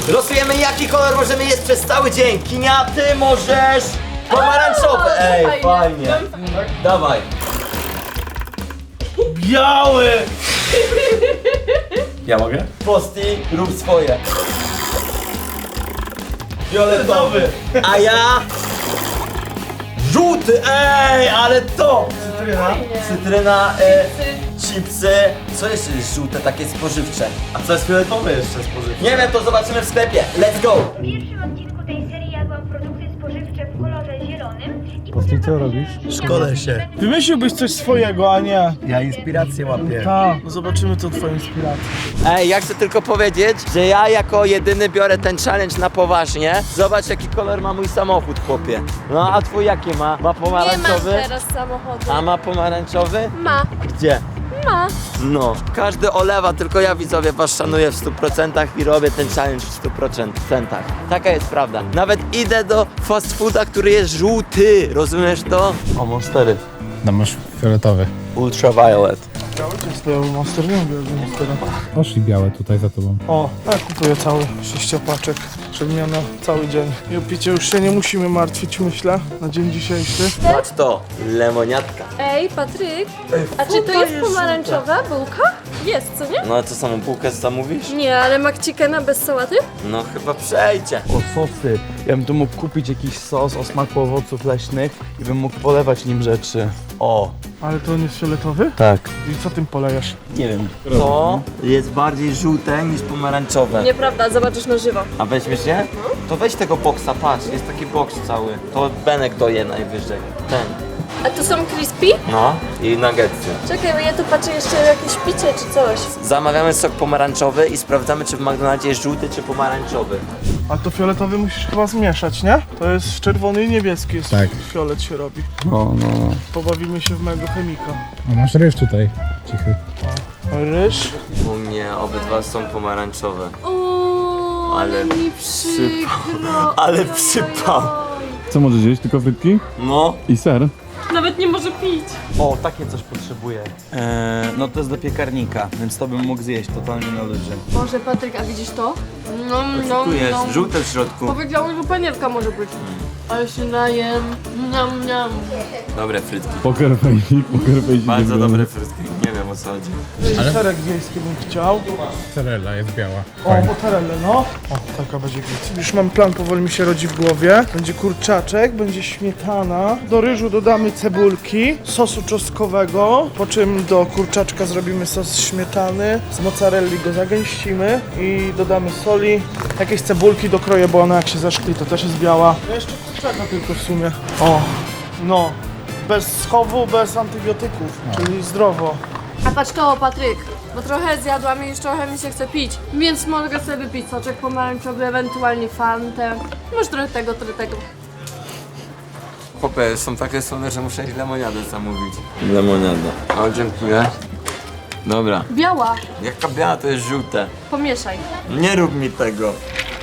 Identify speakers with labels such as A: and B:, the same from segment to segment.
A: Losujemy, jaki kolor możemy jeść przez cały dzień. Kinia, ty możesz pomarańczowy. Ej, fajnie. Dawaj.
B: Biały!
C: Ja mogę?
A: Posti, rób swoje.
B: Fioletowy!
A: A ja... Żółty, ej, ale to! Cytryna, chipsy. Co jeszcze jest żółte, takie spożywcze?
C: A co jest fioletowe jeszcze spożywcze?
A: Nie wiem, to zobaczymy w sklepie. Let's go!
D: W pierwszym odcinku tej serii jadłam produkty spożywcze w kolorze zielonym i
E: Posti, co robisz?
C: Szkole się.
B: Wymyśliłbyś coś swojego, a nie.
C: Ja inspirację łapię.
B: Tak, no zobaczymy tą twoją inspirację.
A: Ej, ja chcę tylko powiedzieć, że ja jako jedyny biorę ten challenge na poważnie. Zobacz, jaki kolor ma mój samochód, chłopie. No, a twój jaki ma? Ma
F: Nie mam
A: pomarańczowy?
F: teraz samochodu.
A: A ma pomarańczowy?
F: Ma,
A: Gdzie?
F: ma.
A: No, każdy olewa, tylko ja widzowie was szanuję w 100% i robię ten challenge w 100%. Taka jest prawda. Nawet idę do fast fooda, który jest żółty, rozumiesz to?
C: O, Monstery.
E: No masz fioletowy.
A: Ultraviolet.
B: Jest biały monster, nie lubię monstera.
E: Poszli białe tutaj za tobą.
B: O, ja kupuję cały 6 paczek, żeby miał na cały dzień. I o picie już się nie musimy martwić, myślę, na dzień dzisiejszy.
A: Patrz to, lemoniatka.
F: Ej, Patryk, a czy to jest pomarańczowa bułka? Jest, co nie?
A: No a co, samą bułkę zamówisz?
F: Nie, ale McChickena bez sałaty?
A: No chyba przejdzie.
C: O, sosy. Ja bym tu mógł kupić jakiś sos o smaku owoców leśnych i bym mógł polewać nim rzeczy. O,
B: Ale to on jest fioletowy?
C: tak.
B: I co tym polejesz?
C: Nie wiem.
A: To jest bardziej żółte niż pomarańczowe.
F: Nieprawda, zobaczysz na żywo.
A: A weźmiesz je? To weź tego boksa, patrz, jest taki boks cały. To Benek doje najwyżej. Ten.
F: A to są crispy?
A: No i nuggetsy.
F: Czekaj, bo ja tu patrzę jeszcze jakieś picie czy coś.
A: Zamawiamy sok pomarańczowy i sprawdzamy, czy w McDonaldzie jest żółty czy pomarańczowy.
B: A to fioletowy musisz chyba zmieszać, nie? To jest czerwony i niebieski, jest
E: Tak.
B: fiolet się robi.
C: No.
B: Pobawimy się w mego chemika.
E: A masz ryż tutaj. Cichy.
B: Ryż.
A: U mnie obydwa są pomarańczowe.
F: O,
A: Ale
F: ale mi przykro.
A: Ale przypał.
G: Co możesz jeść? Tylko frytki?
A: No.
G: I ser?
F: Nawet nie może pić.
C: O, takie coś potrzebuję. No to jest do piekarnika, więc to bym mógł zjeść totalnie na luzie.
F: Boże, Patryk, a widzisz to? No,
A: Tu jest żółte w środku.
F: Powiedziałem, że panierka może być. Ale się najem. Niam, niam.
A: Dobre frytki.
G: Poker face.
A: Bardzo dobre frytki. Nie wiem o co chodzi.
B: Serek wiejski bym chciał.
E: Mozzarella jest biała.
B: O, mozzarella, no. O, taka będzie git. Już mam plan, powoli mi się rodzi w głowie. Będzie kurczaczek, będzie śmietana. Do ryżu dodamy cebulki, sosu czosnkowego, po czym do kurczaczka zrobimy sos śmietany. Z mozzarelli go zagęścimy i dodamy soli. Jakieś cebulki dokroję, bo ona jak się zaszkli, to też jest biała. No jeszcze kurczaka tylko w sumie. O, no. Bez schowu, bez antybiotyków, czyli zdrowo.
F: A patrz to, Patryk, bo trochę zjadłam i już trochę mi się chce pić, więc mogę sobie wypić soczek pomarańczowy, ewentualnie fantę. Może trochę tego, trochę tego.
A: Popy są takie słone, że muszę lemoniadę zamówić. Lemoniada. O, dziękuję. Dobra.
F: Biała,
A: Jaka biała to jest żółte.
F: pomieszaj.
A: Nie rób mi tego.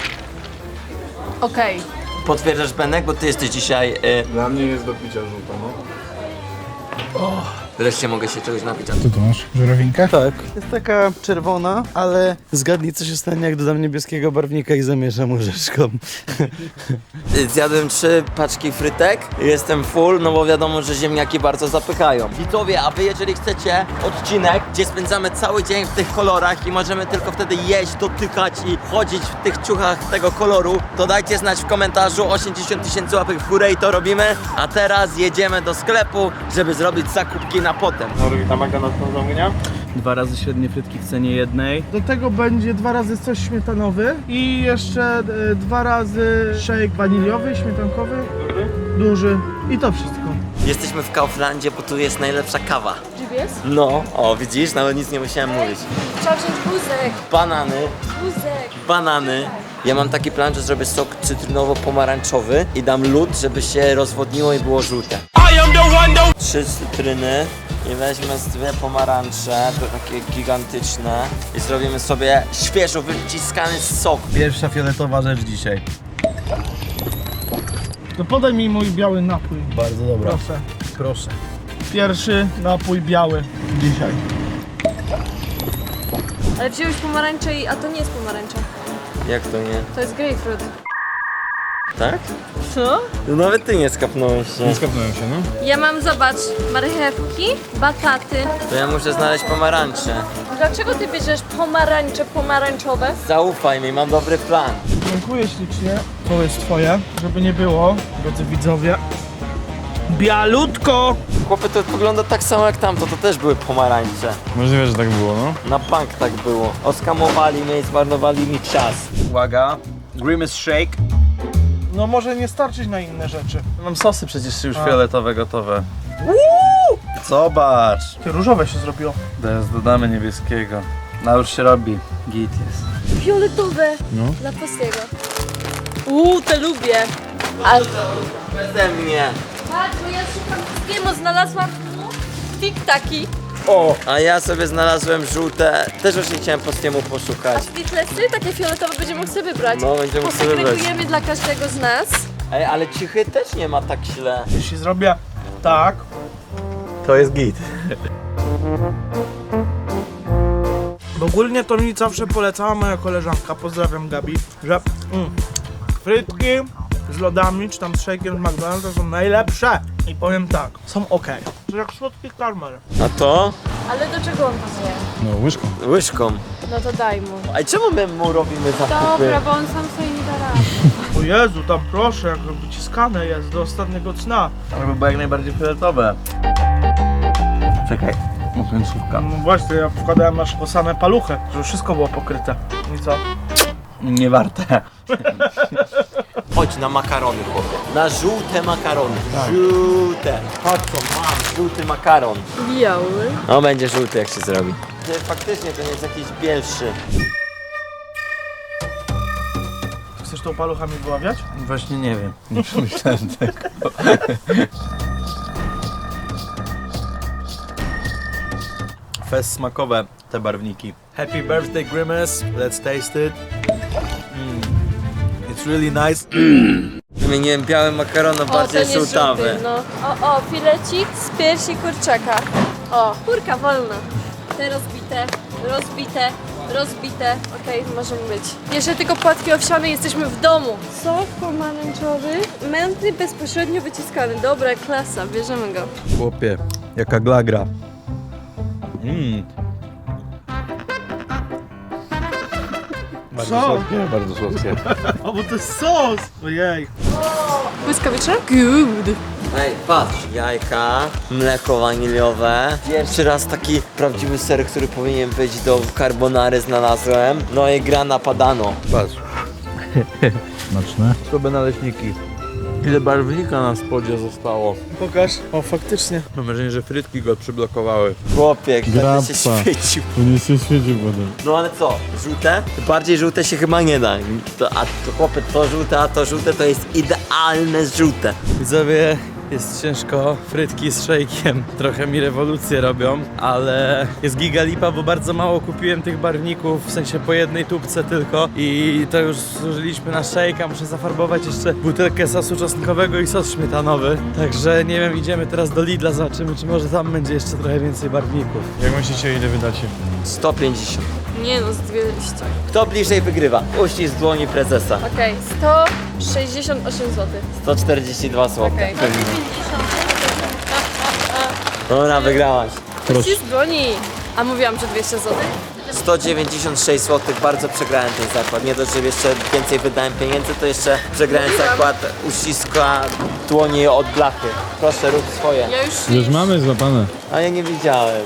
F: Okej.
A: Potwierdzasz, Benek, bo ty jesteś dzisiaj...
G: Dla mnie jest do picia żółta, no.
A: Wreszcie mogę się czegoś napić.
E: Co tu masz? Żurawinkę?
C: Tak, jest taka czerwona, ale zgadnij co się stanie jak dodam niebieskiego barwnika i zamieszam łyżeczką.
A: Zjadłem 3 paczki frytek, jestem full, no bo wiadomo, że ziemniaki bardzo zapychają. Widzowie, a wy jeżeli chcecie odcinek, gdzie spędzamy cały dzień w tych kolorach i możemy tylko wtedy jeść, dotykać i chodzić w tych ciuchach tego koloru, to dajcie znać w komentarzu, 80 000 łapek w górę i to robimy. A teraz jedziemy do sklepu, żeby zrobić zakupki na potem.
B: Na McDonald's do zamówienia?
C: 2 razy średnie frytki w cenie jednej.
B: Do tego będzie 2 razy sos śmietanowy i jeszcze 2 razy shake waniliowy, śmietankowy, duży i to wszystko.
A: Jesteśmy w Kauflandzie, bo tu jest najlepsza kawa.
F: GPS?
A: No, o widzisz, nawet nic nie musiałem mówić.
F: Trzeba wziąć wózek,
A: Banany,
F: wózek.
A: Ja mam taki plan, że zrobię sok cytrynowo-pomarańczowy i dam lód, żeby się rozwodniło i było żółte. 3 cytryny i weźmy z 2 pomarańcze, to takie gigantyczne i zrobimy sobie świeżo wyciskany sok.
C: Pierwsza fioletowa rzecz dzisiaj.
B: To podaj mi mój biały napój,
C: Bardzo dobra.
B: proszę.
C: Proszę.
B: Pierwszy napój biały dzisiaj.
F: Ale wziąłeś pomarańcze a to nie jest pomarańcza.
A: Jak to nie?
F: To jest grapefruit.
A: Tak?
F: Co?
A: No nawet ty nie skapnąłeś się.
E: Nie skapnąłem się, no.
F: Ja mam, zobacz, marchewki, bataty.
A: To ja muszę znaleźć pomarańcze.
F: Dlaczego ty bierzesz pomarańcze pomarańczowe?
A: Zaufaj mi, mam dobry plan.
B: Dziękuję ślicznie. To jest twoje, żeby nie było, drodzy widzowie. Bialutko!
A: Chłopie, to wygląda tak samo jak tamto, to też były pomarańcze.
G: Możliwe, że tak było, no.
A: Na bank tak było. Oskamowali mnie i zmarnowali mi czas.
C: Uwaga, Grimace Shake.
B: No może nie starczyć na inne rzeczy.
C: Mam sosy przecież już fioletowe gotowe. Zobacz.
B: Ty różowe się zrobiło.
C: Teraz dodamy niebieskiego. No już się robi. Git jest.
F: Fioletowe.
E: No.
F: Dla Postiego. Te lubię. Ale
A: Beze mnie.
F: patrz, bo ja szukam wszystkiego, znalazłam tiktaki.
A: A ja sobie znalazłem żółte. Też właśnie chciałem Postiemu
F: A
A: poszukać.
F: sweetlessy, takie fioletowe, będziemy mógł sobie wybrać.
A: No, będziemy mógł sobie wybrać.
F: Posegregujemy dla każdego z nas.
A: Ej, ale cichy też nie ma tak źle.
B: Jeśli zrobię tak,
C: To jest git.
B: bo ogólnie to mi zawsze polecała moja koleżanka, pozdrawiam Gabi, że frytki z lodami, czy tam z shake'iem z McDonald's są najlepsze. I powiem tak, są ok. To jak słodki karmel.
A: A to?
F: Ale do czego on to zje?
E: No, łyżką.
A: Łyżką.
F: No to daj mu.
A: A czemu my mu robimy zakupy?
F: Dobra, bo on sam sobie nie da rady.
B: O Jezu, tam proszę, jak wyciskane jest do ostatniego cna.
C: Żeby było jak najbardziej fioletowe. Czekaj. O, końcówka.
B: No właśnie, ja wkładałem na szposane paluchy, żeby wszystko było pokryte. I co?
C: Nie warte.
A: Chodź na makarony, chłopie. Na żółte makarony. Żółte. Chodź co, mam żółty makaron.
F: Biały.
A: No będzie żółty jak się zrobi. Ty, faktycznie to nie jest jakiś bielszy.
B: Chcesz tą paluchami wyławiać?
C: Właśnie nie wiem. Nie przemyślałem tego. Fest smakowe, te barwniki. Happy birthday Grimace, let's taste it. It's really nice.
A: Wymieniłem biały makaron na bardziej
F: ten jest
A: żółtawy.
F: żółty, no. O, filecik z piersi kurczaka. O, kurka wolna. Te rozbite, rozbite, rozbite. Okej, możemy być. Jeszcze tylko płatki owsiane, jesteśmy w domu. Sok pomarańczowy, mętny, bezpośrednio wyciskany. Dobra, klasa, bierzemy go.
C: Chłopie, jaka glagra. Bardzo
B: Co?
C: słodkie, bardzo słodkie.
B: O, bo to jest sos! Ojej.
F: Błyskawiczne? Good.
A: Ej, patrz, jajka, mleko waniliowe. Pierwszy raz taki prawdziwy ser, który powinien być do carbonary znalazłem. No i grana padano.
C: Patrz,
E: Smaczne.
C: słabe naleśniki. Ile barwnika na spodzie zostało.
B: Pokaż. O, faktycznie.
C: Mam wrażenie, że frytki go przyblokowały.
A: Chłopie, jak będę się
E: Grappa.
A: świecił.
E: Tu nie się świecił potem.
A: No ale co, żółte? Bardziej żółte się chyba nie da. A to chłopie, to żółte, a to żółte to jest idealne żółte.
C: Widzowie, jest ciężko, frytki z szejkiem trochę mi rewolucję robią, ale jest giga lipa, bo bardzo mało kupiłem tych barwników, w sensie po jednej tubce tylko i to już zużyliśmy na szejka, muszę zafarbować jeszcze butelkę sosu czosnkowego i sos śmietanowy, także nie wiem, idziemy teraz do Lidla, zobaczymy czy może tam będzie jeszcze trochę więcej barwników.
E: Jak myślicie, ile wydacie?
A: 150.
F: Nie no, z 200.
A: Kto bliżej wygrywa? Uścisk dłoni prezesa.
F: Okej, 168 zł.
A: 142 zł.
F: Okej.
A: Dobra, wygrałaś.
F: Ścisk dłoni. A mówiłam, że 200 zł?
A: 196 zł, bardzo przegrałem ten zakład. Nie dość, że jeszcze więcej wydałem pieniędzy, to jeszcze przegrałem zakład uściska dłoni od blachy. Proszę, rób swoje.
F: Ja już...
E: Już mamy złapane.
A: A ja nie widziałem.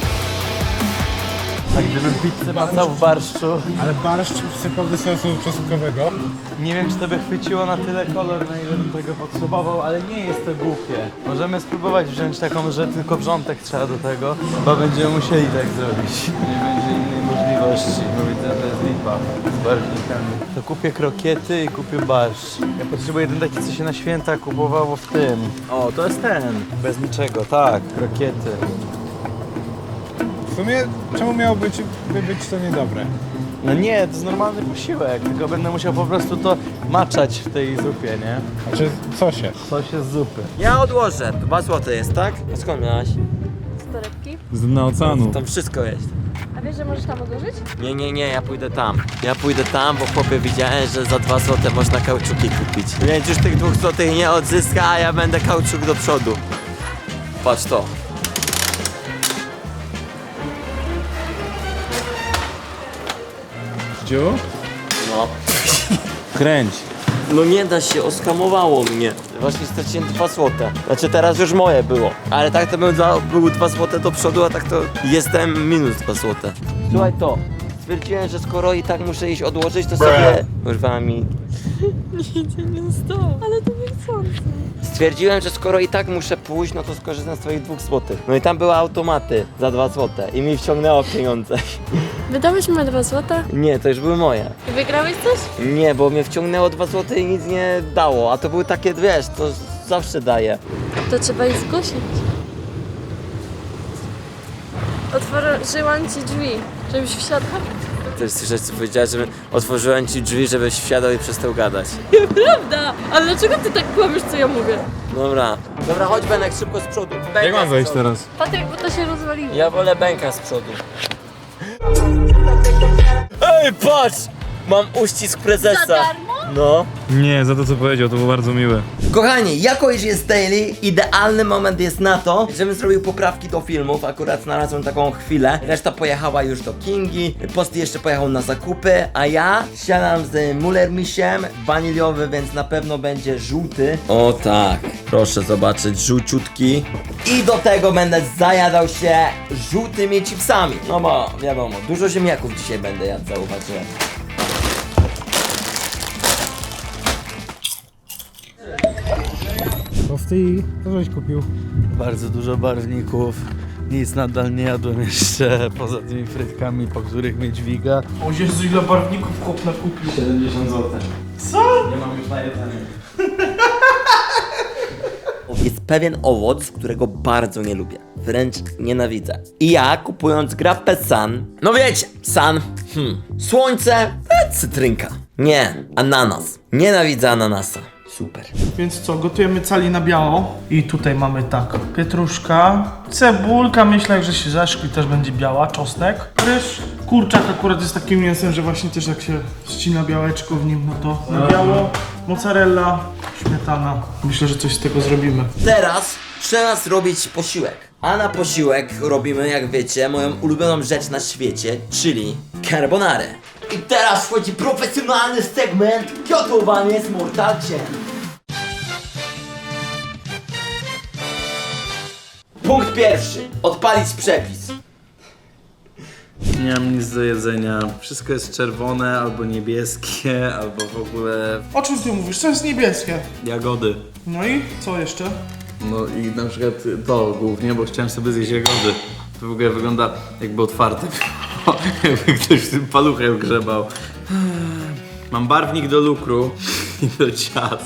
C: A gdybym pizzę macał w barszczu,
E: Ale barszcz wsypał do sosu czosnkowego.
C: nie wiem czy to by chwyciło na tyle kolor, na ile bym tego potrzebował, ale nie jest to głupie. Możemy spróbować wziąć taką, że tylko wrzątek trzeba do tego, bo będziemy musieli tak zrobić. Nie będzie innej możliwości, bo widzę, że jest lipa z barwnikami. To kupię krokiety i kupię barszcz. Ja potrzebuję jeden taki, co się na święta kupowało w tym. O, to jest ten. Bez niczego, tak, krokiety.
E: W sumie, czemu miałoby być to niedobre?
C: No nie, to jest normalny posiłek, tylko będę musiał po prostu to maczać w tej zupie, nie?
E: Znaczy, co się?
C: Coś jest z zupy.
A: Ja odłożę. 2 zł jest, tak? A skąd miałaś?
F: Z torebki.
E: Z dna oceanu.
A: Tam wszystko jest.
F: A A wiesz, że możesz tam odłożyć?
A: Nie, ja pójdę tam. Ja pójdę tam, bo chłopie widziałem, że za 2 zł można kauczuki kupić. Więc już tych 2 zł nie odzyska, a ja będę kauczuk do przodu. Patrz to.
E: Dziu?
A: No.
C: Kręć.
A: No nie da się, oskamowało mnie. Właśnie straciłem 2 złote. Znaczy teraz już moje było. Ale tak to był 2 złote do przodu, a tak to jestem minus 2 złote. Słuchaj to. Stwierdziłem, że skoro i tak muszę iść odłożyć, to sobie... Urwała mi...
F: Nic nie stało, ale to niechcący.
A: Stwierdziłem, że skoro i tak muszę pójść, no to skorzystam z twoich 2 złotych. No i tam były automaty za 2 złote i mi wciągnęło pieniądze.
F: Wydałeś mi 2 złota?
A: Nie, to już były moje.
F: I wygrałeś coś?
A: Nie, bo mnie wciągnęło 2 złote i nic nie dało, a to były takie, wiesz, to zawsze daje.
F: To trzeba ich zgłosić. Otworzyłam ci drzwi, żebyś wsiadł.
A: To jest coś, co powiedziałeś, że otworzyłem ci drzwi, żebyś wsiadał i przestał gadać.
F: Prawda! Ale dlaczego ty tak kłamiesz, co ja mówię?
A: Dobra. Dobra, chodź Benek, szybko z przodu. Bęka
E: Jak mam
A: z
E: wejść
A: przodu.
E: teraz?
F: Patryk, bo to się rozwaliło.
A: Ja wolę Bęka z przodu. Ej, patrz! Mam uścisk prezesa.
F: Za darmo?
A: No.
E: Nie, za to co powiedział, to było bardzo miłe.
A: Kochani, jako iż jest daily, idealny moment jest na to, żebym zrobił poprawki do filmów. Akurat znalazłem taką chwilę. Reszta pojechała już do Kingi, Posty jeszcze pojechał na zakupy, a ja siadam z Mullermisiem, waniliowy, więc na pewno będzie żółty. O tak, proszę zobaczyć, żółciutki. I do tego będę zajadał się żółtymi chipsami. No bo wiadomo, dużo ziemniaków dzisiaj będę jadł, zauważyłem.
E: Posty, co żeś kupił?
C: Bardzo dużo barwników. Nic nadal nie jadłem jeszcze, poza tymi frytkami, po których mnie dźwiga.
B: O Jezu, ile barwników chłop nakupił.
C: 70 zł.
B: Co?
C: Nie mam już na jedzenie.
A: Jest pewien owoc, którego bardzo nie lubię. Wręcz nienawidzę. I ja, kupując grappę Sun, no wiecie, Sun, słońce, cytrynka. Nie, ananas. Nienawidzę ananasa. Super.
B: Więc co, gotujemy cali na biało. I tutaj mamy tak, pietruszka, cebulka, myślę, że się zaszkli, też będzie biała, czosnek, ryż. Kurczak akurat jest takim mięsem, że właśnie też jak się ścina białeczko w nim, no to na biało. Mozzarella, śmietana. Myślę, że coś z tego zrobimy.
A: Teraz trzeba zrobić posiłek. A na posiłek robimy, jak wiecie, moją ulubioną rzecz na świecie, czyli carbonarę. I teraz wchodzi profesjonalny segment gotowanie z Mortalciem. Punkt pierwszy. Odpalić przepis.
C: Nie mam nic do jedzenia. Wszystko jest czerwone, albo niebieskie, albo w ogóle
B: O czym ty mówisz? Co jest niebieskie?
C: jagody.
B: No i co jeszcze?
C: No i na przykład to głównie, bo chciałem sobie zjeść jagody. To w ogóle wygląda jakby otwarte. Jakby ktoś tym paluchem grzebał. Mam barwnik do lukru i do ciast.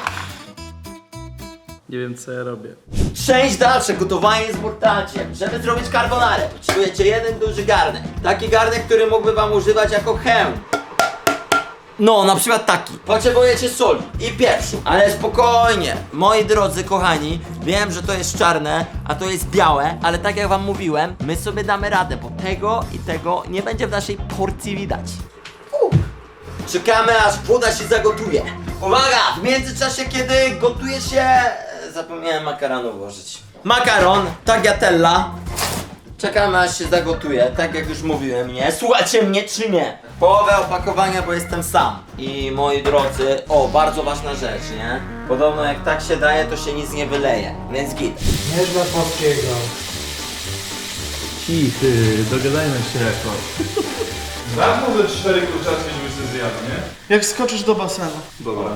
C: Nie wiem co ja robię.
A: Część dalsza, gotowanie z Mortalciem. Żeby zrobić carbonarę, potrzebujecie jeden duży garnek. Taki garnek, który mógłby wam używać jako hełm. No, na przykład taki. Potrzebujecie soli i pieprzu. Ale spokojnie, moi drodzy kochani, wiem, że to jest czarne, a to jest białe, ale tak jak wam mówiłem, my sobie damy radę, bo tego i tego nie będzie w naszej porcji widać. Czekamy, aż woda się zagotuje. Uwaga! W międzyczasie, kiedy gotuje się... Zapomniałem makaronu włożyć. Makaron, tagliatella. Czekamy, aż się zagotuje, tak jak już mówiłem, nie? Słuchacie mnie czy nie? Połowę opakowania, bo jestem sam. I moi drodzy, o, bardzo ważna rzecz, nie? Podobno jak tak się daje, to się nic nie wyleje, więc git.
B: Nie dla polskiego.
C: Cichy, dogadajmy się jakoś.
E: Dam mu ze 4 kurczaczki, żeby się zjadł, nie?
B: Jak skoczysz do basenu.
C: Dobra.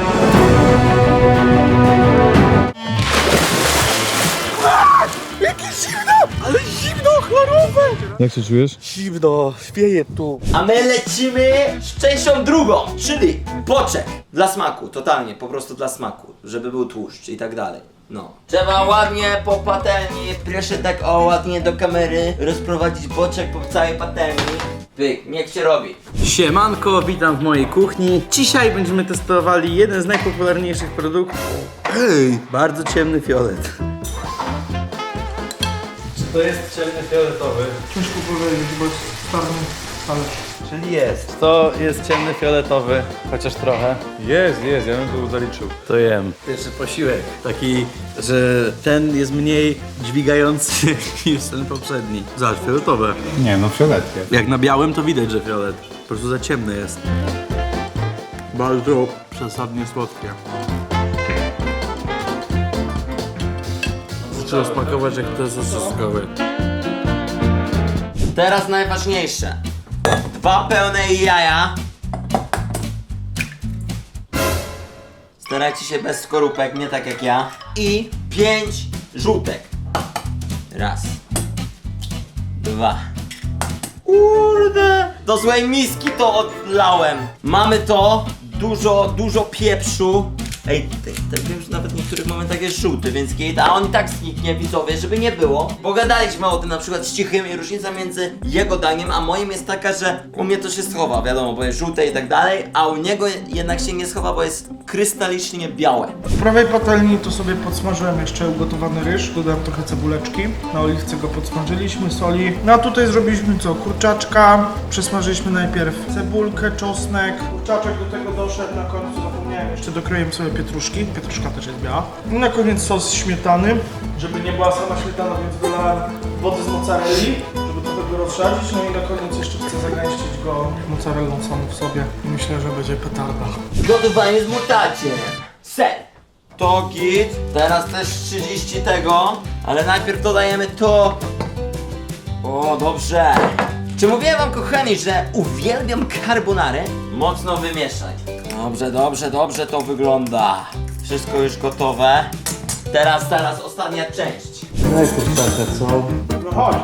G: Jak się czujesz?
C: Zimno, śpieję tu.
A: A my lecimy z częścią drugą, czyli boczek. Dla smaku, totalnie, po prostu dla smaku, żeby był tłuszcz i tak dalej. No. Trzeba ładnie po patelni, proszę tak o ładnie do kamery, rozprowadzić boczek po całej patelni. Pyk, niech się robi.
C: Siemanko, witam w mojej kuchni. Dzisiaj będziemy testowali jeden z najpopularniejszych produktów. Bardzo ciemny fiolet. To jest ciemny fioletowy.
B: Ciężko powiedzieć, bo jest czarny talerz.
C: Czyli jest. To jest ciemny fioletowy, chociaż trochę.
G: Jest, ja bym to zaliczył.
C: To jem. Pierwszy posiłek. Taki, że ten jest mniej dźwigający niż ten poprzedni. Zobacz, fioletowe.
G: Nie, no fioletkie.
C: Jak na białym to widać, że fiolet. Po prostu za ciemny jest. Bardzo przesadnie słodkie. Trzeba smakować jak to jest soskowy.
A: Teraz najważniejsze. 2 pełne jaja. Starajcie się bez skorupek, nie tak jak ja. I 5 żółtek. Raz. 2. Kurde! Do złej miski to odlałem. Mamy to. Dużo pieprzu. Ej, ten wiem, że nawet w niektórych momentach jest żółty, więc gate, a on i tak zniknie, widzowie, żeby nie było. Pogadaliśmy o tym na przykład z Cichym i różnica między jego daniem a moim jest taka, że u mnie to się schowa, wiadomo, bo jest żółte i tak dalej, a u niego jednak się nie schowa, bo jest krystalicznie białe.
B: W prawej patelni to sobie podsmażyłem jeszcze ugotowany ryż, dodałem trochę cebuleczki, na oliwce go podsmażyliśmy, soli. No a tutaj zrobiliśmy co? Kurczaczka, przesmażyliśmy najpierw cebulkę, czosnek, kurczaczek do tego doszedł, na końcu zapomniałem, jeszcze dokroiłem sobie pietruszki, pietruszka też jest biała. I na koniec sos śmietany, żeby nie była sama śmietana, więc dolałem wody z mozzarelli, żeby trochę go rozszadzić, no i na koniec jeszcze chcę zagęścić go mozzarellą samą w sobie i myślę, że będzie petarda.
A: Gotowanie z mutaciem. Ser. To git. Teraz też 30 tego, ale najpierw dodajemy to. O, dobrze. Czy mówiłem wam, kochani, że uwielbiam carbonarę? Mocno wymieszać. Dobrze to wygląda. Wszystko już gotowe. Teraz ostatnia część.
C: Daj kurczaka, co?
B: No chodź.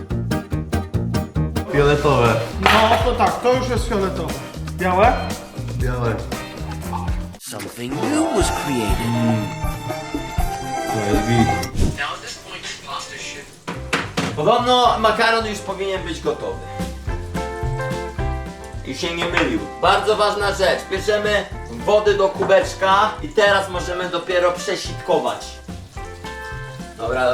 C: Fioletowe.
B: No to tak, to już jest fioletowe. Białe?
C: Białe.
A: Something new was created.
C: To jest git.
A: Podobno makaron już powinien być gotowy. I się nie mylił. Bardzo ważna rzecz. Bierzemy wody do kubeczka i teraz możemy dopiero przesitkować. Dobra.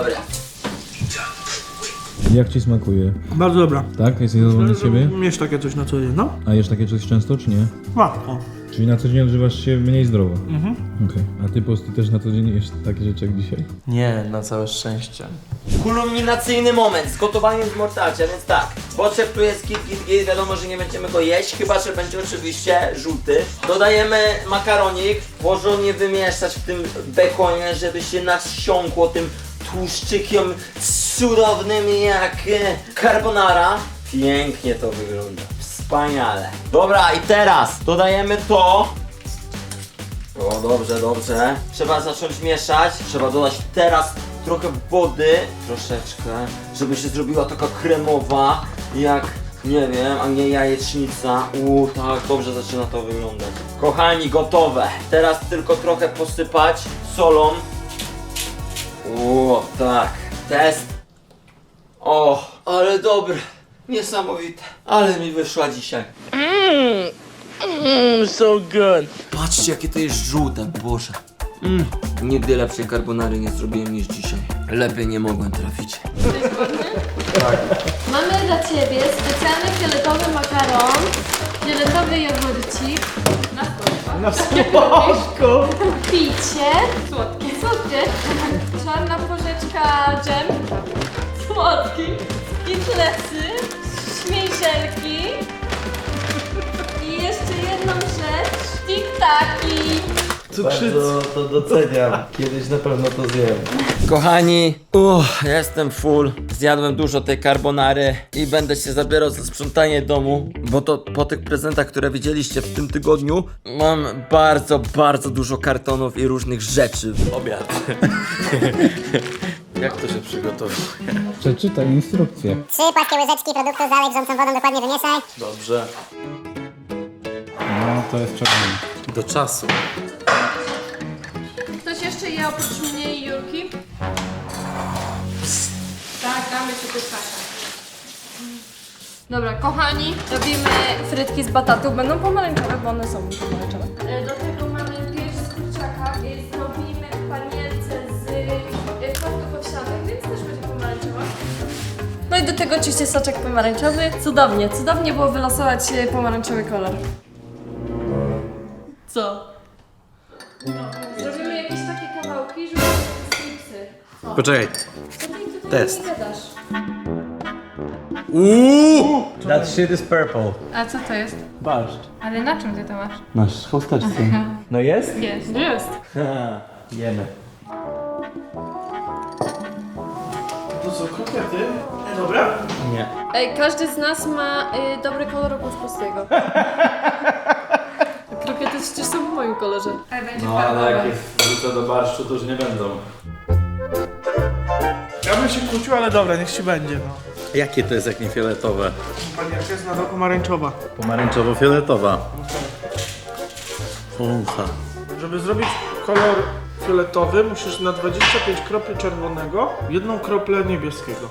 G: Jak ci smakuje?
B: Bardzo dobra.
G: Tak? Jesteś zadowolony z siebie?
B: Miesz takie coś na co dzień, no?
G: A jesz takie coś często, czy nie?
B: Łatwo.
G: Czyli na co dzień odżywasz się mniej zdrowo? Okej. A ty Posty też na co dzień jesz takie rzeczy jak dzisiaj?
C: Nie, na całe szczęście.
A: Kulminacyjny moment z gotowaniem z mortarcia, więc tak. Boczek tu jest git, wiadomo, że nie będziemy go jeść, chyba że będzie oczywiście żółty. Dodajemy makaronik, porządnie wymieszać w tym bekonie, żeby się nasiąkło tym tłuszczykiem cudownym jak carbonara. Pięknie to wygląda, wspaniale. Dobra, i teraz dodajemy to. O, dobrze. Trzeba zacząć mieszać. Trzeba dodać teraz trochę wody, troszeczkę, żeby się zrobiła taka kremowa, jak, nie wiem, a nie jajecznica. Tak, dobrze zaczyna to wyglądać. Kochani, gotowe. Teraz tylko trochę posypać solą. Tak. Test. O, ale dobre. Niesamowite. Ale mi wyszła dzisiaj. So good. Patrzcie, jakie to jest żółte, Boże. Nigdy lepszej carbonary nie zrobiłem niż dzisiaj. Lepiej nie mogłem trafić.
F: Mamy dla Ciebie specjalny fioletowy makaron, fioletowy jogurcik, na słodko, picie, słodkie, czarna porzeczka dżem, słodki, skitlesy, śmieszelki i jeszcze jedną rzecz, tiktaki.
C: Bardzo to doceniam. Kiedyś na pewno to zjem.
A: Kochani, jestem full. Zjadłem dużo tej carbonary i będę się zabierał za sprzątanie domu, bo to po tych prezentach, które widzieliście w tym tygodniu, mam bardzo dużo kartonów i różnych rzeczy.
C: Obiad. Jak to się przygotowuje?
G: Przeczytaj instrukcję.
H: 3 płaskie łyżeczki produktu zalej wrzącą wodą, dokładnie wymieszaj.
C: Dobrze.
G: No, to jest czerwony.
C: Do czasu.
F: Ktoś jeszcze je oprócz mnie i Julki? Tak, damy sobie kaszę. Dobra, kochani, robimy frytki z batatów. Będą pomarańczowe, bo one są pomarańczowe. Do tego mamy pierś z kurczaka. Zrobimy panierce z płatków owsianych, więc też będzie pomarańczowa. do tego oczywiście soczek pomarańczowy. Cudownie było wylosować pomarańczowy kolor. Co? No, zrobimy jakieś takie kawałki, żeby stripsy.
C: Poczekaj.
F: Co ty tutaj
C: Test.
F: nie gadasz?
C: That shit is purple.
I: A co to jest?
C: Barszcz.
I: Ale na czym ty to masz?
C: Nasz chusteczce. No jest?
I: Jest.
F: Jest.
C: Jemy.
B: To co, kotlety? Dobra?
C: Nie.
F: Ej, każdy z nas ma dobry kolor oprócz pustego. Krokiety przecież są w moim kolorze.
I: Ale będzie
E: No ale
I: farbowe.
E: jak jest wrzucę do barszczu, to już nie będą.
B: Ja bym się kłócił, ale dobra, niech ci będzie, no.
C: Jakie to jest jak nie fioletowe?
B: Panierka jest nadal pomarańczowa.
C: Pomarańczowo-fioletowa. Funcha.
B: Żeby zrobić kolor fioletowy, musisz na 25 kropli czerwonego, 1 kroplę niebieskiego.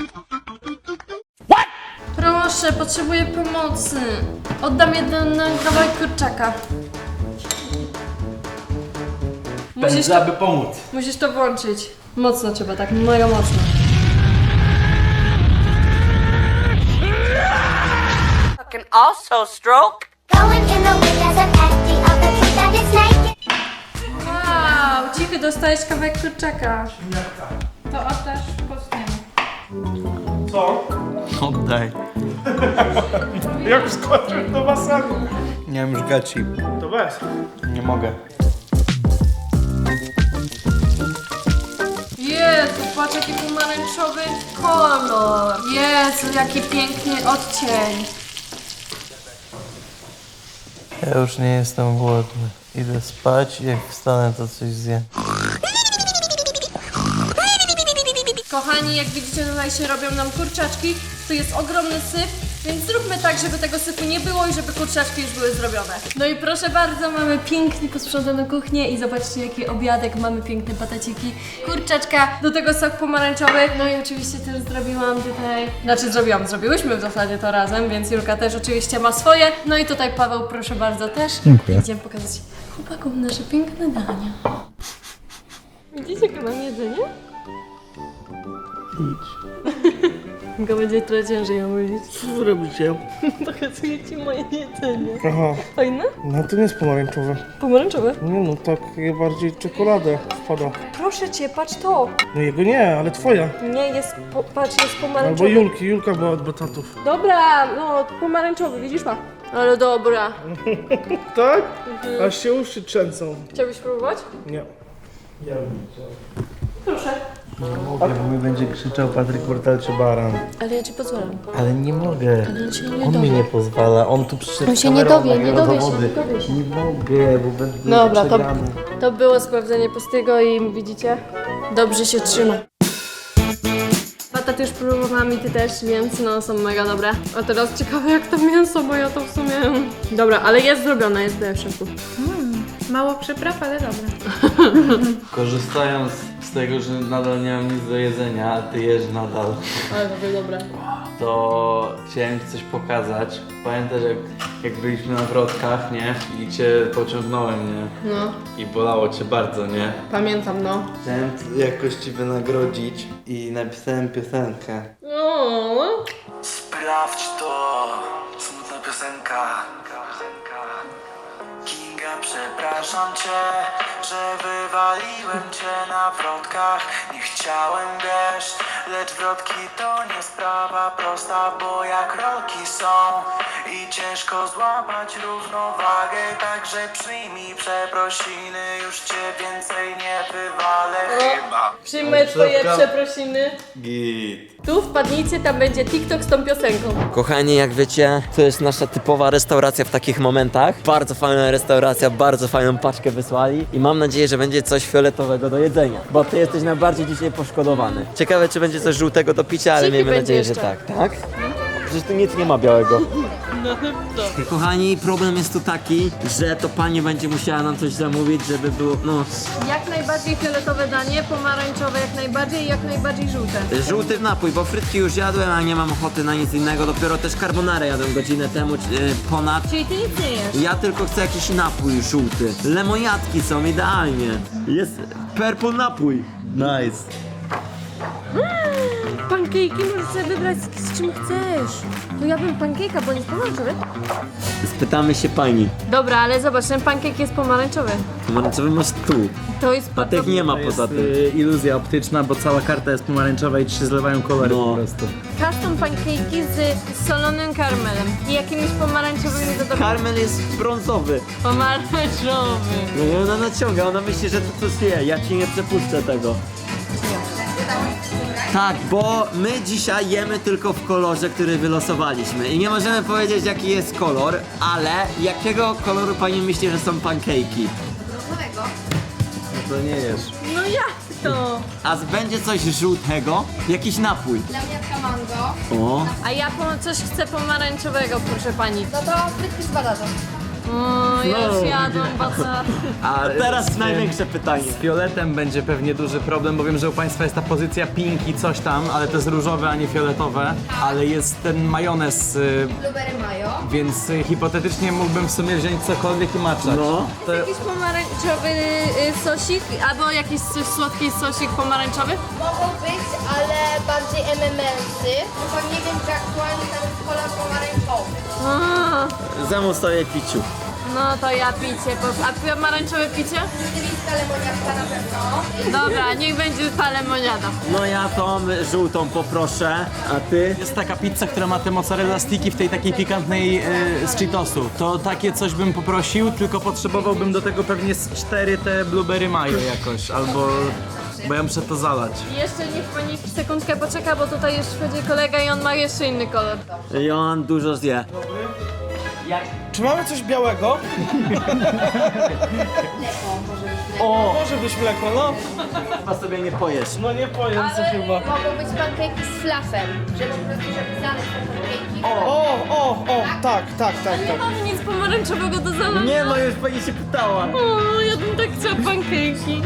F: Proszę, potrzebuję pomocy. Oddam jeden kawałek kurczaka. Musisz to włączyć. Mocno trzeba, tak mega mocno.
J: Can also stroke.
H: Going in the wind as an empty of the truth that it's naked.
F: Wow, cichy, dostajesz kawałek kurczaka.
I: To oddasz pustemu.
B: Co?
C: Oddaj.
B: Jak wskoczył do basenu?
C: Nie mam już gaci.
B: To weź.
C: Nie mogę.
F: Jezu, patrz jaki pomarańczowy kolor. Jezu, jaki piękny odcień.
C: Ja już nie jestem głodny. Idę spać i jak wstanę to coś zjem.
F: Kochani, jak widzicie, tutaj się robią nam kurczaczki. Tu jest ogromny syf, więc zróbmy tak, żeby tego syfu nie było i żeby kurczaczki już były zrobione. No i proszę bardzo, mamy pięknie posprzątaną kuchnię i zobaczcie jaki obiadek, mamy piękne pataciki, kurczaczka, do tego sok pomarańczowy. No i oczywiście też zrobiłam tutaj, zrobiłyśmy w zasadzie to razem, więc Julka też oczywiście ma swoje. No i tutaj Paweł, proszę bardzo, też.
G: Dziękuję.
F: Idziemy pokazać chłopakom nasze piękne dania. Widzicie, jakie mam jedzenie? Go będzie trochę ciężej omówić.
B: Co robicie?
F: Pokazuję ci moje jedzenie.
B: Aha,
F: Fajne?
B: no to nie jest pomarańczowe.
F: Pomarańczowe?
B: Nie no, tak bardziej czekoladę wpada.
F: Proszę cię, patrz to.
B: No jego nie, ale twoja.
F: Nie, patrz, jest
B: Albo
F: pomarańczowy.
B: Julki, Julka była od batatów.
F: Dobra, no pomarańczowy, widzisz ma? Ale dobra.
B: Tak? Aż się uszy trzęsą.
F: Chciałbyś próbować?
B: Nie.
F: Proszę.
C: Mogę, bo mi będzie krzyczał Patryk Portal czy Baran.
F: Ale ja ci pozwalam.
C: Ale nie mogę.
F: On się nie
C: On
F: dowie.
C: mi nie pozwala. On tu przyszedł
F: On
C: z
F: się nie
C: kamerą,
F: dowie, nie
C: nagrał
F: dowie się,
C: dowody.
F: nie dowie się.
C: Nie mogę, bo będę
F: Dobra,
C: przegrany.
F: to było sprawdzenie pustego i widzicie, dobrze się trzyma. Patat już próbowałam i ty też, więc no są mega dobre. A teraz ciekawe jak to mięso, bo ja to w sumie... Dobra, ale jest zrobione, jest w szoku.
I: Mało przypraw, ale dobre.
C: Korzystając z tego, że nadal nie mam nic do jedzenia, a ty jesz nadal,
F: Ale to było dobre.
C: to chciałem ci coś pokazać. Pamiętasz jak byliśmy na wrotkach, nie? I cię pociągnąłem, nie?
F: No,
C: I bolało cię bardzo, nie?
F: pamiętam no.
C: Chciałem jakoś ci wynagrodzić i napisałem piosenkę.
F: No.
K: Sprawdź to, smutna piosenka. Kinga, przepraszam cię, że wywaliłem cię na wrotkach. Nie chciałem, wiesz, lecz wrotki to nie sprawa prosta, bo jak rolki są i ciężko złapać równowagę. Także przyjmij przeprosiny, już cię więcej nie wywalę chyba.
F: Przyjmę twoje przeprosiny.
C: Git.
F: Tu wpadnijcie, tam będzie TikTok z tą piosenką.
A: Kochani, jak wiecie, to jest nasza typowa restauracja w takich momentach. Bardzo fajna restauracja, bardzo fajną paczkę wysłali i mam nadzieję, że będzie coś fioletowego do jedzenia, bo ty jesteś najbardziej dzisiaj poszkodowany. Ciekawe, czy będzie coś żółtego do picia, ale
F: Ciki
A: miejmy
F: będzie
A: nadzieję, że
F: jeszcze.
A: tak, tak? Przecież tu nic nie ma białego. Kochani, problem jest tu taki, że to pani będzie musiała nam coś zamówić, żeby było, no,
F: Jak najbardziej fioletowe danie, pomarańczowe jak najbardziej i jak najbardziej żółte.
A: żółty napój, bo frytki już jadłem, a nie mam ochoty na nic innego. Dopiero też carbonarę jadłem godzinę temu, ponad.
F: Czyli ty nic nie jesz.
A: Ja tylko chcę jakiś napój żółty. Lemoniadki są idealnie. Jest purple napój.
C: Nice.
F: Pankejki możesz sobie wybrać z czym chcesz. To ja bym pankejka, bo nie jest pomarańczowy.
A: Spytamy się pani.
F: Dobra, ale zobacz, ten pankejk jest pomarańczowy.
A: Pomarańczowy masz tu.
F: To jest
A: A tych nie ma poza tym.
C: iluzja optyczna, bo cała karta jest pomarańczowa i ci się zlewają kolory
A: No.
C: po prostu.
F: Custom pankejki z solonym karmelem i jakimiś pomarańczowymi dodatkami.
A: Karmel jest brązowy.
F: Pomarańczowy.
A: No i ona naciąga, ona myśli, że to coś je. Ja ci nie przepuszczę tego. Tak, bo my dzisiaj jemy tylko w kolorze, który wylosowaliśmy. I nie możemy powiedzieć, jaki jest kolor, ale jakiego koloru pani myśli, że są pankejki?
C: To nie jesz.
F: No jak to?
A: A będzie coś żółtego? Jakiś napój.
I: Dla mnie mango.
A: O,
F: A ja coś chcę pomarańczowego, proszę pani.
I: No to frytki z badażą.
F: O, ja już jadłam baza.
A: a teraz największe pytanie.
C: Z fioletem będzie pewnie duży problem, bo wiem, że u Państwa jest ta pozycja pink i coś tam, ale to jest różowe, a nie fioletowe. Ale jest ten majonez,
I: Blueberry mayo.
C: więc hipotetycznie mógłbym w sumie wziąć cokolwiek i maczać.
A: No.
C: To,
F: Jakiś pomarańczowy sosik, albo jakiś słodki sosik pomarańczowy?
I: Mogą być, ale bardziej MMS-y. Tylko nie wiem, czy aktualnie tam jest kolor pomarańczowy.
F: A,
A: Zemu stoję piciu.
F: no to ja picie. A pomarańczowe picie?
I: Rzeczywista lemoniatka na pewno.
F: Dobra, niech będzie ta lemoniada.
A: No ja tą żółtą poproszę, a ty?
C: jest taka pizza, która ma te mozzarella sticki w tej takiej pikantnej z Cheetosu. To takie coś bym poprosił, tylko potrzebowałbym do tego pewnie z 4 te blueberry mayo jakoś, albo... Bo ja muszę to zalać.
F: Jeszcze niech pani sekundkę poczeka, bo tutaj już wchodzi kolega i on ma jeszcze inny kolor.
A: I on dużo zje.
B: Czy mamy coś białego? O, może być mleko, no.
A: Chyba sobie nie pojesz.
B: No nie pojem co chyba.
I: Mogą być pankejki z fluffem. Żeby po prostu, żeby zalać te pankejki.
B: O, tak.
F: Nie mamy nic pomarańczowego do zalania.
A: Nie no, już pani się pytała.
F: O, ja bym tak chciała pankejki.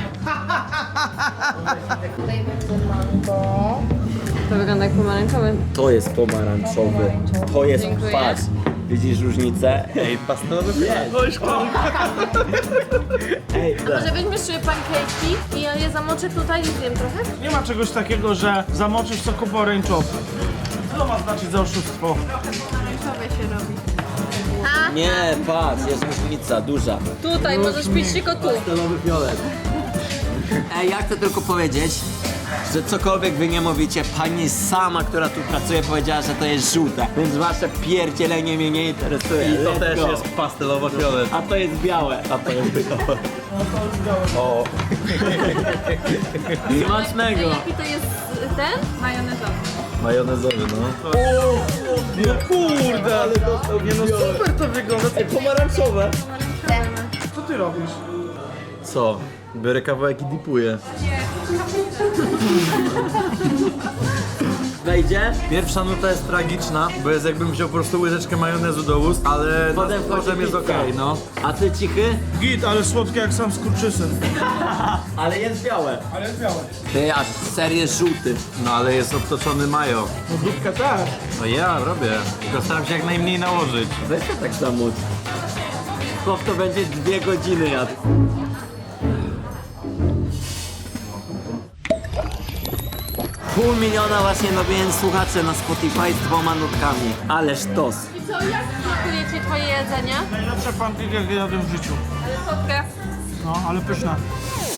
I: Tutaj będzie mango.
F: To wygląda jak pomarańczowy.
A: To jest pomarańczowy. To jest
F: Dziękuję.
A: kwas. Widzisz różnicę?
C: Ej, pastelowy
A: Ej,
F: Może weźmiesz sobie pankejki i ja je zamoczę tutaj i zjem trochę?
B: Nie ma czegoś takiego, że zamoczysz soku pomarańczowy. Co to ma znaczyć za oszustwo?
F: Pomarańczowe się robi.
A: nie, patrz, jest różnica, duża.
F: Tutaj, możesz pić tylko tu.
A: Pastelowy fiolet. Ej, ja chcę tylko powiedzieć, że cokolwiek wy nie mówicie, pani sama, która tu pracuje, powiedziała, że to jest żółte. Więc wasze pierdzielenie mnie nie interesuje.
C: I to
A: Let's
C: też
A: go.
C: jest pastelowo-fiolet.
A: A to jest białe. A to jest białe.
C: O,
A: Smacznego.
F: Jaki to jest ten? Majonezowy.
C: majonezowy, no.
B: No kurde, ale nie no super to wygląda.
A: Pomarańczowe.
B: Co ty robisz?
C: Co? Biorę kawałek i dipuję.
A: Wejdzie?
C: Pierwsza nuta jest tragiczna, bo jest jakbym wziął po prostu łyżeczkę majonezu do ust, ale
A: Potem
C: potem jest
A: pizza.
C: okej, no.
A: A ty cichy?
B: Git, ale słodkie jak sam skurczysyn.
A: Ale jest białe.
B: Ale jest białe.
A: Ty, aż ser jest żółty.
C: No ale jest obtoczony majo.
B: No dupka też.
C: No ja robię, tylko staram się jak najmniej nałożyć.
A: Weź to tak samo. Chłop to będzie 2 godziny jadł. Pół miliona właśnie nowień słuchaczy na Spotify z 2 nutkami. Ależ tos.
F: I co, jak smakuje ci twoje jedzenie?
B: Najlepsze pankiki jakie jadłem w życiu.
F: Ale słodkie.
B: No, ale pyszne.